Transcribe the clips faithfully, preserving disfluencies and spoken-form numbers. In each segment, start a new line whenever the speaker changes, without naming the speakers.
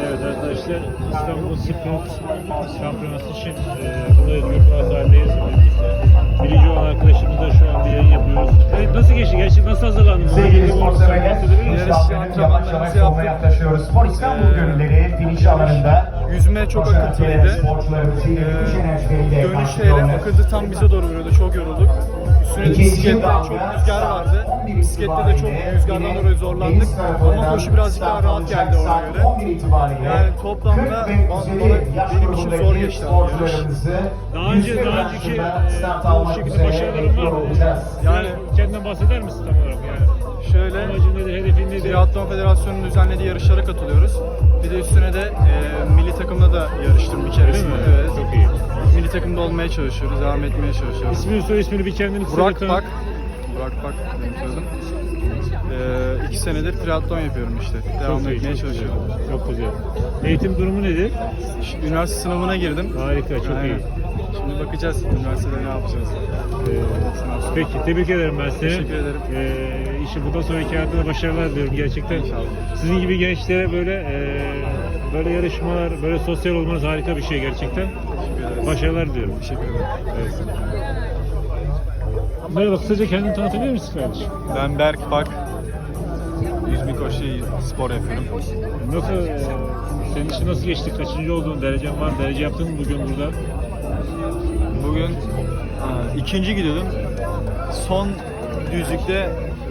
Evet arkadaşlar, İstanbul Sprint Şampiyonası için e, burada Özgür Pazar'dayız. Birinci olan arkadaşımızla şu an bir yayın yapıyoruz. Evet, nasıl geçti? Gerçekten nasıl hazırlandınız?
Sevgili spor severler,
Yarış antrenmanlarımızı yaptık.
yaklaşıyoruz. Spor İstanbul
Ee,
gönülleri finiş alanında.
Yüzme çok akıntılıydı. Ee, dönüşte hele akıntı tam bize doğru vuruyordu. Çok yorulduk. Üstüne de bisiklette çok rüzgar vardı. Bisiklette de çok rüzgardan dolayı zorlandık. Ama koşu birazcık daha rahat geldi ona göre. Yani toplamda bana, benim için zor geçti yarış.
Daha önce, daha önceki e, bu şekilde başarıların var mı? Yani kendinden bahseder misin tam olarak yani?
Şöyle,
Amacın nedir, hedefin nedir?
Triathlon Federasyonu'nun düzenlediği yarışlara katılıyoruz. Bir de üstüne de e, milli takımda da yarıştım bir keresinde.
Değil mi?
Evet.
Çok iyi.
Milli takımda olmaya çalışıyoruz, devam etmeye çalışıyoruz.
İsmini, soy ismini bir kendini kısaca
Burak
tanı-
Pak. Burak Pak benim soyadım. Ee, iki senedir triathlon yapıyorum işte. Devam
Çok iyi,
etmeye
çok
çalışıyorum.
güzel. Çok güzel. Eğitim durumu nedir?
Şimdi üniversite sınavına girdim.
Harika, çok
Aynen.
iyi.
Şimdi bakacağız üniversitede ne yapacağız.
Ee, peki, tebrik ederim ben seni.
Teşekkür ederim.
Ee, işte bundan sonraki hayatında başarılar diliyorum gerçekten.
İnşallah.
Sizin gibi gençlere böyle e, böyle yarışmalar, böyle sosyal olmanız harika bir şey gerçekten.
Teşekkür ederiz.
Başarılar diliyorum.
Teşekkür ederim.
Evet. Merhaba, kısaca kendini tanıtabilir misin kardeşim?
Ben Berk Pak. Yüzme koşu spor yapıyorum.
Nasıl, e, senin için nasıl geçti? Kaçıncı oldun? Derecen var mı? Derece yaptın mı bugün burada?
Bugün aa, ikinci gidiyordum. Son düzlükte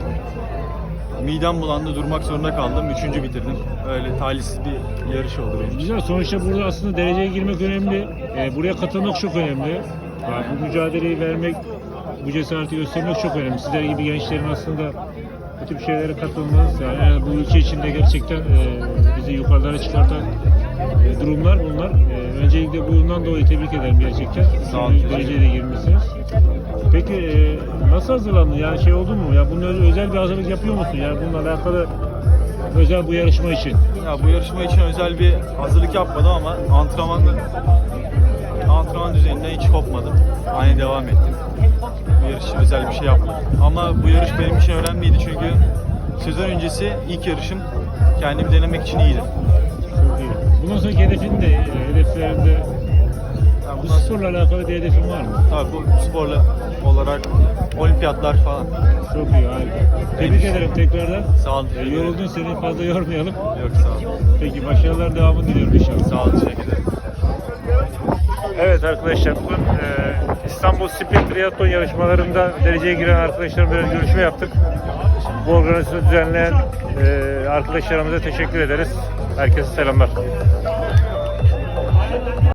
midem bulandı, durmak zorunda kaldım. Üçüncü bitirdim. Öyle talihsiz bir yarış oldu benim için.
Güzel. Sonuçta burada aslında dereceye girmek önemli. E, buraya katılmak çok önemli. Yani bu mücadeleyi vermek, bu cesareti göstermek çok önemli. Sizler gibi gençlerin aslında bu tip şeylere katılmanız, yani, yani bu ülke içinde gerçekten e, bizi yukarılara çıkartan e, durumlar bunlar. E, öncelikle bundan dolayı tebrik ederim gerçekten.
Sağ olun.
Dereceye de girmişsiniz. Peki e, nasıl hazırlandın? Yani şey oldu mu? Ya bunun öz- özel bir hazırlık yapıyor musun? Yani bununla alakalı özel bu yarışma için.
Ya bu yarışma için özel bir hazırlık yapmadım ama antrenmanda antrenman düzeyinde hiç kopmadım. Aynı devam ettim. Bu yarış için özel bir şey yapmadım. Ama bu yarış benim için önemliydi çünkü sezon öncesi ilk yarışım kendimi denemek için iyiydi.
Çok iyi. Bundan sonraki hedefin de, e, hedeflerinde
Yani
bu
bundan sonra,
sporla alakalı bir hedefin var mı?
tabii bu sporla olarak olimpiyatlar falan.
Çok iyi, harika. Tebrik ederim tekrardan.
Sağ olun.
E,
teşekkür ederim.
yoruldun, seni fazla yormayalım.
Yok sağ olun.
Peki, başarılar devamını diliyorum inşallah.
Sağ olun. Teşekkür ederim.
Evet arkadaşlar, bugün e, İstanbul Sprint Triathlon yarışmalarında dereceye giren arkadaşlarımla biraz görüşme yaptık. Bu organizasyonu düzenleyen e, arkadaşlarımıza teşekkür ederiz. Herkese selamlar.